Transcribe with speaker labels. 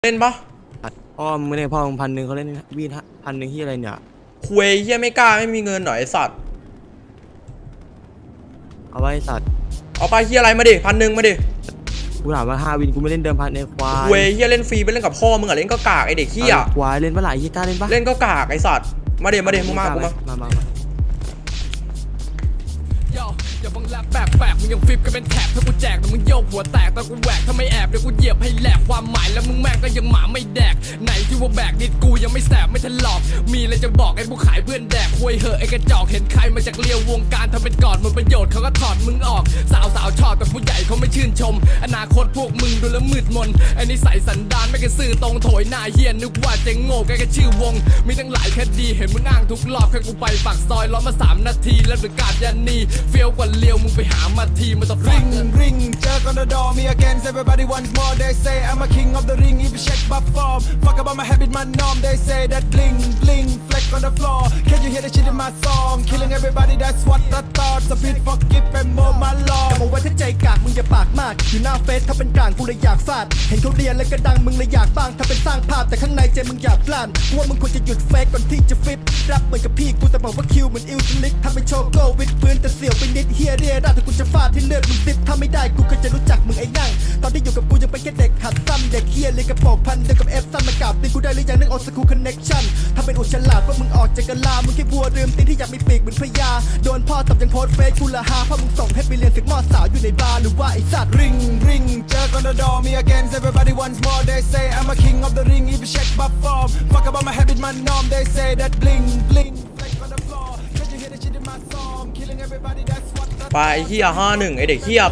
Speaker 1: เล่นปะ
Speaker 2: พ่อมึงไม่ได้พ่อมึง1,000เขาเล่นวีด1,000ที่อะไรเนี่ย
Speaker 1: คุยเฮียไม่กล้าไม่มีเงินหน่อยไอสัตว์
Speaker 2: เอาไว้สัตว์
Speaker 1: เอาไปเฮียอะไรมาดิ1,000มาดิ
Speaker 2: กูถามว่า5 วินกูไม่เล่นเดิมพันในควาย
Speaker 1: คุยเฮียเล่นฟรีไปเล่นกับพ่อมึงอะเล่นก็กากไอเด็กเฮีย
Speaker 2: ควายเล่นปะไหลยี่กล้าเล่นปะ
Speaker 1: เล่นก็กากไอสัตว์มาเดี๋ยวมึงมากูมา
Speaker 3: อย่าบังแลบแปลกมึงยังฟิปกันเป็นแถบถ้ากูแจกแต่มึงโยกหัวแตกแต่กูแหวกถ้าไม่แอบเดี๋ยวกูเหยียบให้แหลกความหมายแล้วมึงแม่งก็ยังหมาไม่แดกไหนที่ว่าแบกนิดกูยังไม่แสบไม่ทันหลอกมีอะไรจะบอกไอ้ผู้ขายเพื่อนแดกคุยเหอะไอ้กระจอกเห็นใครมาจากเลี้ยววงการทำเป็นกอดมันประโยชน์เขาก็ถอดมึงออกสาวชอบแต่ผู้ใหญ่เขาไม่ชื่นชมอนาคตพวกมึงดูแล้วมืดมนไอ้นิสัยสันดานไม่กระซื่อตรงโถยหน้าเฮียนึกว่าจะโง่แค่ชื่อวงมีทั้งหลายคดีเห็นมึงอ้างทุกรอบแค่กูไปปากซอยล้อมา3 นาทีแล้วประกาศยันนีเฟี้ยวกว่าเลี้ยวมึงไปหามาทีมันต้อง
Speaker 4: ring jerk on the door me again everybody wants more they say I'm a king of the ring if you check my form fuck about my habit my norm they say that bling bling flex on the floor can you hear the shit in my song killing everybody that's what I thought so please forgive and more my lord
Speaker 5: แต่บอกไว้ถ้าใจกากมึงอย่าปากมากอยู่หน้าเฟซถ้าเป็นกลางกูเลยอยากฟาดเห็นเขาเรียนแล้วก็ดังมึงเลยอยากบ้างถ้าเป็นสร้างภาพแต่ข้างในใจมึงอยากพลานว่ามึงควรจะหยุดเฟซก่อนที่จะฟิตรับเหมือนกับพี่กูแต่บอกว่าคิวเหมือนอิลสลิกทำเป็นโชว์โก้วิดพื้นแต่เสี่ยวไปนิดเฮียเรียได้แต่กูจะฟาดที่เลือดมึงซิปถ้าไม่ได้กูก็จะรู้จักมึงไอ้นั่งตอนที่อยู่กับกูยังเป็นแค่เด็กหัดซ้ำเด็กเฮียเลยกระโปรงพันเดียวกับเอฟซ้ำมากราบตีกูได้หรือยังนึกออกสกูคอนเน็กชั่นถ้าเป็นอุจฉลาดว่ามึงออกจากกะลามึงแค่บัวลืมตีนที่อยากมีปีกเหมือนพญาโดนพ่อตบยังโพสเฟซกูละฮาเพราะมึงส่งให้ไปเรียนศึกมอสาวอยู่ในบาร์หรือว่าไอ้สัตว์
Speaker 4: ring jerk on the door me again everybody wants more they say I'm a king of the ring if you check my form fuck about my habit my norm they say that bling bling flex on the floor can you hear the shit in my song killing everybody that's what
Speaker 1: ไปเฮีย51ไอเด็กเฮีย